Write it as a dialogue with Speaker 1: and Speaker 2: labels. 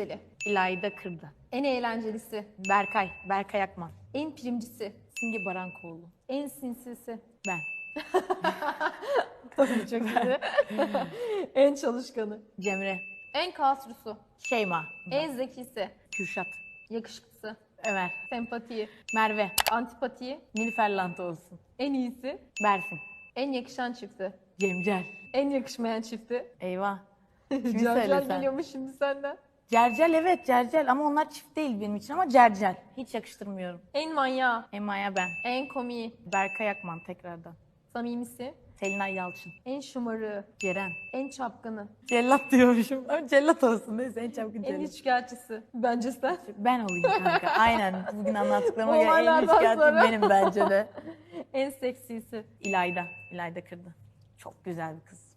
Speaker 1: güzeli.
Speaker 2: İlayda Kırdı.
Speaker 1: En eğlencelisi.
Speaker 2: Berkay Akman.
Speaker 1: En primcisi.
Speaker 2: Simge Barankoğlu.
Speaker 1: En sinsisi.
Speaker 2: Ben.
Speaker 1: Tabii çok iyi. En çalışkanı.
Speaker 2: Cemre.
Speaker 1: En kasrusu.
Speaker 2: Şeyma.
Speaker 1: En zekisi.
Speaker 2: Kürşat.
Speaker 1: Yakışıklısı.
Speaker 2: Ömer.
Speaker 1: Sempatiyi.
Speaker 2: Merve.
Speaker 1: Antipatiyi.
Speaker 2: Nilüfer Lantı olsun.
Speaker 1: En iyisi.
Speaker 2: Berfin.
Speaker 1: En yakışan çifti.
Speaker 2: Cemcel.
Speaker 1: En yakışmayan çifti.
Speaker 2: Eyvah. Kimi
Speaker 1: Carcar
Speaker 2: söylesen?
Speaker 1: geliyormuş şimdi senden.
Speaker 2: Cercel, evet Cercel ama onlar çift değil benim için ama Cercel. Hiç yakıştırmıyorum.
Speaker 1: En manyağı.
Speaker 2: Emma'ya ben.
Speaker 1: En komiği.
Speaker 2: Berkay Akman tekrardan.
Speaker 1: Samimisi.
Speaker 2: Selinay Yalçın.
Speaker 1: En şımarığı.
Speaker 2: Ceren.
Speaker 1: En çapkını.
Speaker 2: Cellat diyormuşum. Ama cellat olsun neyse en çabuk
Speaker 1: En
Speaker 2: cellat.
Speaker 1: üçkağıtçısı. Bence sen.
Speaker 2: Ben olayım kanka. Aynen. Bugün anlattıklarıma göre en
Speaker 1: Olaylardan
Speaker 2: üçkağıtçı
Speaker 1: sonra.
Speaker 2: benim bence de.
Speaker 1: En seksisi.
Speaker 2: İlayda. İlayda Kırdı. Çok güzel bir kız.